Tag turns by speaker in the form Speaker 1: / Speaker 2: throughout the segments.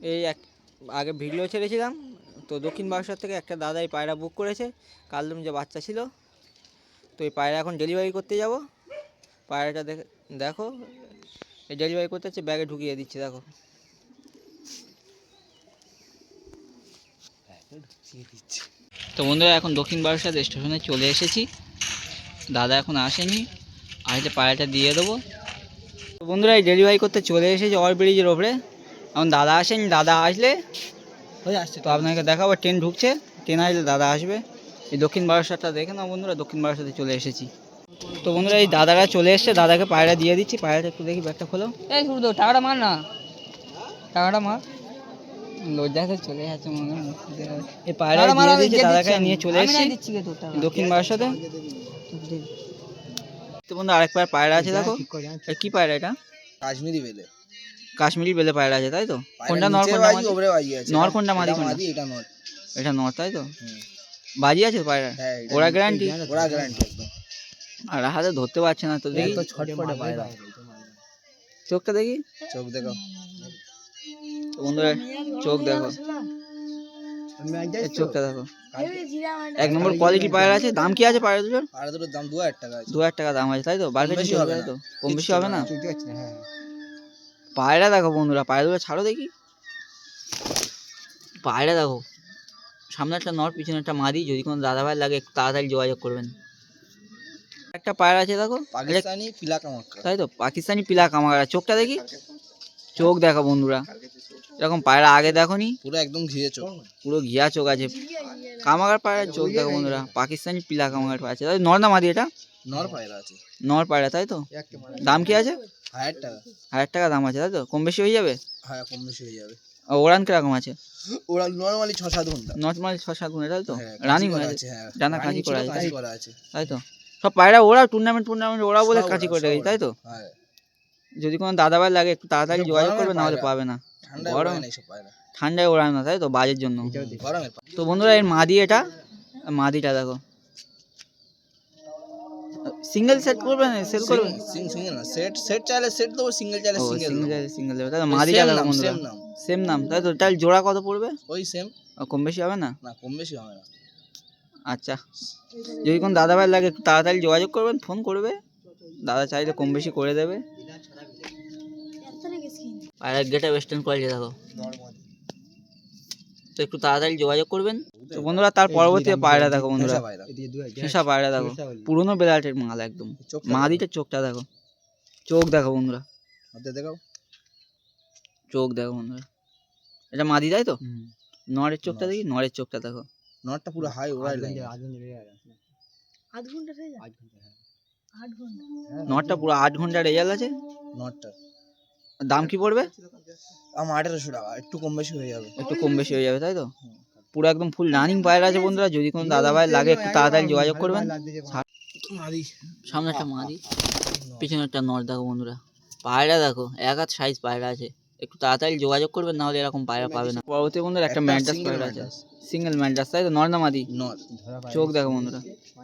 Speaker 1: এই এক আগে ভিডিও ছেড়েছিলাম তো দক্ষিণ বারাসাত থেকে একটা দাদাই পায়রা বুক করেছে কালদম যে বাচ্চা ছিল। তো এই পায়রা এখন ডেলিভারি করতে যাব। পায়রাটা দেখো এই ডেলিভারি করতে হচ্ছে, ব্যাগে ঢুকিয়ে দিচ্ছি দেখো। তো বন্ধুরা এখন দক্ষিণ বারাসাত স্টেশনে চলে এসেছি। দাদা এখন আসেনি, আসলে পায়রাটা দিয়ে দেবো। তো বন্ধুরা এই ডেলিভারি করতে চলে এসেছি ওভার ব্রিজের ওপরে। এখন দাদা আসেনি, দাদা আসলে আসছে তো আপনাকে দেখাবো। ট্রেন ঢুকছে, ট্রেন আসলে দাদা আসবে। এই দক্ষিণ বারাসাতটা দেখে নাও বন্ধুরা, দক্ষিণ বারাসাতে চলে এসেছি। তো বন্ধুরা এই দাদারা চলে এসছে, দাদাকে পায়রা দিয়ে দিচ্ছি। পায়রাটা একটু দেখি, ব্যাগটা খোলো। এই শুরু টাকাটা মার না, টাকাটা মার। লজ্জাতে চলে যাচ্ছে মনে হয়। এই পায়রা দিয়ে দিয়েছি, দাদাকে নিয়ে চলে এসেছি দক্ষিণ বারাসাতে। তো বন্ধু আরেকবার পায়রা আছে দেখো। কি পায়রা এটা?
Speaker 2: কাশ্মীরি বেলে।
Speaker 1: কাশ্মীরি বেলে পায়রা আছে তাই তো? কোনটা নর কোনটা মাদি? নর কোনটা মাদি কোনটা?
Speaker 2: এটা নর।
Speaker 1: এটা নর তাই তো? বাজি আছে পায়রা?
Speaker 2: হ্যাঁ
Speaker 1: ওরা গ্যারান্টি?
Speaker 2: ওরা গ্যারান্টি একদম।
Speaker 1: আর হাতে ধরতে পারছে না তো, দেখি
Speaker 2: তো ছটফটে পায়রা।
Speaker 1: চোখটা দেখি,
Speaker 2: চোখ দেখো
Speaker 1: বন্ধুরা, চোখ দেখো, চোখটা দেখো। এক নম্বর কোয়ালিটি পায়রা আছে। দাম কি আছে পায়রা দুটোর?
Speaker 2: পায়রা দুটোর দাম 2000 টাকা আছে।
Speaker 1: 2000 টাকা দাম আছে তাই তো? বার্গেনিং
Speaker 2: বেশি হবে
Speaker 1: তাই
Speaker 2: না
Speaker 1: তো? কম বেশি হবে না?
Speaker 2: হ্যাঁ
Speaker 1: পায়রা দেখো বন্ধুরা, পায়রা দুটো ছাড়ো দেখি। পায়রা দেখো, সামনে একটা নর, পিছনে একটা মাদি। যদি কোনো দাদাভাই লাগে একটু তাড়াতাড়ি যোগাযোগ করবেন। একটা পায়রা আছে দেখো,
Speaker 2: পাকিস্তানি পিলা কামাক্কা
Speaker 1: তাই তো? পাকিস্তানি পিলা কামাগারা। চোখটা দেখি, চোখ দেখো বন্ধুরা, এরকম পায়রা আগে দেখো নি।
Speaker 2: পুরো একদম ঘিরে চোখ,
Speaker 1: পুরো ঘিয়া চোখ আছে। কামাগার পায়রার চোখ দেখো বন্ধুরা, পাকিস্তানি পিলা কামাগার পায়রা আছে। নর না মাদি এটা?
Speaker 2: নর পায়রা আছে।
Speaker 1: নর পায়রা তাই তো? দাম কি আছে?
Speaker 2: 1000 টাকা।
Speaker 1: 1000 টাকা দাম আছে তাই তো? কম বেশি হয়ে যাবে?
Speaker 2: হ্যাঁ কম বেশি হয়ে যাবে।
Speaker 1: ওড়ান কিরকম আছে?
Speaker 2: ওরা নরমালি 6-7 ঘন্টা।
Speaker 1: নর্মালি 6-7 ঘন্টা তাই তো?
Speaker 2: হ্যাঁ,
Speaker 1: রানিং
Speaker 2: করা
Speaker 1: হয়ে
Speaker 2: আছে। হ্যাঁ
Speaker 1: ডানা কাঁচি করা
Speaker 2: কাঁচি করা আছে
Speaker 1: তাই তো? সব পায়রা ওরা টুর্নামেন্ট ওরা বলে কাঁচি করে রেখেছে তাই তো?
Speaker 2: হ্যাঁ।
Speaker 1: যদি কোনো দাদাভাই লাগে একটু তাড়াতাড়ি যোগাযোগ করবে, নাহলে পাবে না।
Speaker 2: ঠান্ডায়
Speaker 1: গরম,
Speaker 2: ওড়ায় না এইসব পায়রা।
Speaker 1: ঠান্ডায় ওড়ায় না তাই তো? বাজের জন্য।
Speaker 2: গরমের
Speaker 1: তো বন্ধুরা এর মাদি, এটা মাদিটা দেখো। সিঙ্গেল সেট করবে না সেল করবে?
Speaker 2: সিঙ্গেল না, সেট সেট চাইলে সেট দেবো, সিঙ্গেল চাইলে সিঙ্গেল দেবো।
Speaker 1: সিঙ্গেল দেবে তাই তো? মাদিটা দেখো বন্ধুরা, সেম নাম তাই তো? তাহলে জোড়া কত পড়বে?
Speaker 2: ওই সেম।
Speaker 1: কম বেশি হবে না?
Speaker 2: না কম বেশি হবে না।
Speaker 1: আচ্ছা, যদি কোনো দাদাভাই লাগে একটু তাড়াতাড়ি যোগাযোগ করবেন, ফোন করবে। দাদা চাইলে কম বেশি করে দেবে। আর এক গেটা ওয়েস্টার্ন কোয়ালিটি দেখো, তো একটু তাড়াতাড়ি যোগাযোগ করবেন। তো বন্ধুরা তার পরবর্তী পায়রা দেখো বন্ধুরা, শেষা পায়রা দেখো, পুরোনো বেলাটের মাল একদম। মাদিটার চোখটা দেখো, চোখ দেখো বন্ধুরা,
Speaker 2: দেখাও
Speaker 1: চোখ দেখো বন্ধুরা। এটা মাদি তাই তো? নরের চোখটা দেখি, নরের চোখটা দেখো।
Speaker 2: নটটা পুরো হাই ওড়াই লাইন।
Speaker 1: নটটা পুরো 8 ঘন্টা রেজাল্ট আছে।
Speaker 2: নটটা
Speaker 1: দাম কি পড়বে?
Speaker 2: আমার 1800 টাকা, একটু কম বেশি হয়ে যাবে।
Speaker 1: একটু কম বেশি হয়ে যাবে তাই তো? পুরো একদম ফুল রানিং পায়রা আছে বন্ধুরা। যদি কোনো দাদাভাই লাগে একটু তাড়াতাড়ি যোগাযোগ করবেন। সামনে একটা মাদি, পিছনে একটা নর দেখো বন্ধুরা। পায়রা দেখো, এক হাত সাইজ পায়রা আছে। একটু তাড়াতাড়ি যোগাযোগ করবেন, নাহলে এরকম পায়রা পাবে না। পরবর্তী বন্ধুরা একটা ম্যাড্রাস পায়রা আছে, সিঙ্গেল ম্যাড্রাস তাই তো? নর না মাদি?
Speaker 2: নর।
Speaker 1: চোখ দেখো বন্ধুরা,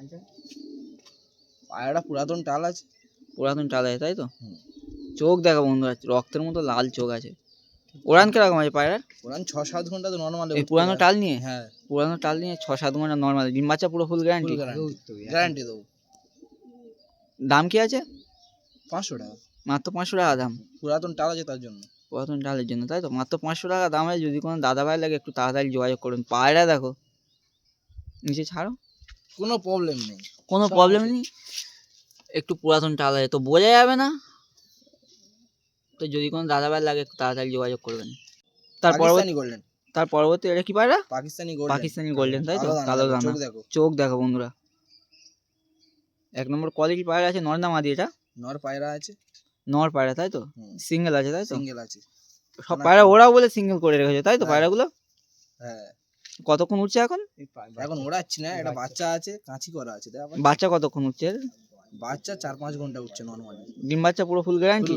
Speaker 2: পায়রাটা পুরাতন টাল আছে।
Speaker 1: পুরাতন টাল আছে তাই তো? চোখ দেখো বন্ধুরা, রক্তের মতো লাল চোখ আছে। ওড়ান কিরকম আছে পায়রার?
Speaker 2: ওড়ান 6-7 ঘন্টা তো নরমাল।
Speaker 1: এই পুরানো টাল নিয়ে?
Speaker 2: হ্যাঁ
Speaker 1: পুরানো টাল নিয়ে 6-7 ঘন্টা নরমাল। ডিম বাচ্চা পুরো ফুল গ্যারান্টি?
Speaker 2: গ্যারান্টি দেবো।
Speaker 1: দাম কি আছে?
Speaker 2: 500 টাকা,
Speaker 1: মাত্র 500 টাকা দাম।
Speaker 2: পুরাতন টাল আছে তার জন্য।
Speaker 1: পুরাতন টালের জন্য তাই তো? মাত্র 500 টাকা দাম আছে। যদি কোনো দাদাভাই লাগে একটু তাড়াতাড়ি যোগাযোগ করুন। পায়রা দেখো, নিচে ছাড়ো,
Speaker 2: কোনো প্রবলেম নেই,
Speaker 1: কোনো প্রবলেম নেই। একটু পুরাতন টাল আছে তো বোঝা যাবে না। তো যদি কোনো দাদাভাই লাগে একটু তাড়াতাড়ি যোগাযোগ করবেন। তার পরবর্তী এটা কি পায়রা? পাকিস্তানি গোল্ডেন তাই তো? কালো দানা। চোখ দেখো বন্ধুরা, এক নম্বর কোয়ালিটি পায়রা আছে। নর না মাদি এটা?
Speaker 2: নর পায়রা আছে।
Speaker 1: নর পায়রা তাই তো? সিঙ্গেল আছে তাই তো?
Speaker 2: সিঙ্গেল আছে।
Speaker 1: সব পায়রা ওরাও বলে সিঙ্গেল করে রেখেছে তাই তো পায়রাগুলো?
Speaker 2: হ্যাঁ।
Speaker 1: কতক্ষণ উঠছে এখন?
Speaker 2: এখন ওড়াচ্ছি না, এটা বাচ্চা আছে, কাঁচি করা আছে।
Speaker 1: বাচ্চা কতক্ষণ উঠছে?
Speaker 2: বাচ্চা 4-5 ঘন্টা উঠছে নরমালি।
Speaker 1: ডিম বাচ্চা পুরো ফুল গ্যারান্টি?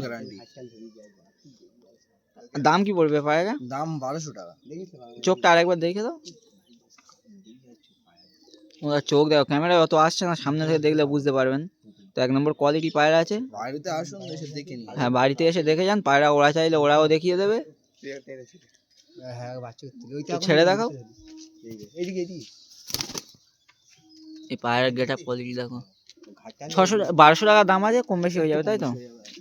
Speaker 1: দাম কি পড়বে পায়রা?
Speaker 2: দাম 1200 টাকা।
Speaker 1: চোখটা আরেকবার দেখে দাও। ওরা চোখ দেখো, ক্যামেরায় অত আসছে না, সামনে থেকে দেখলে বুঝতে পারবেন। তো এক নম্বর কোয়ালিটি পায়রা আছে।
Speaker 2: বাড়িতে আসুন, এসে দেখে নিন।
Speaker 1: হ্যাঁ বাড়িতে এসে দেখে যান। পায়রা ওরা চাইলে ওরাও দেখিয়ে দেবে।
Speaker 2: হ্যাঁ বাচ্চা করতে ওইটা
Speaker 1: তো ছেড়ে দেখাও।
Speaker 2: এইদিকে এইদিকে
Speaker 1: এই পায়ের গেট আপ কোয়ালিটি দেখো।
Speaker 2: ঘাটটা
Speaker 1: 600 1200 টাকা দাম আছে, কম বেশি হয়ে যাবে তাই তো?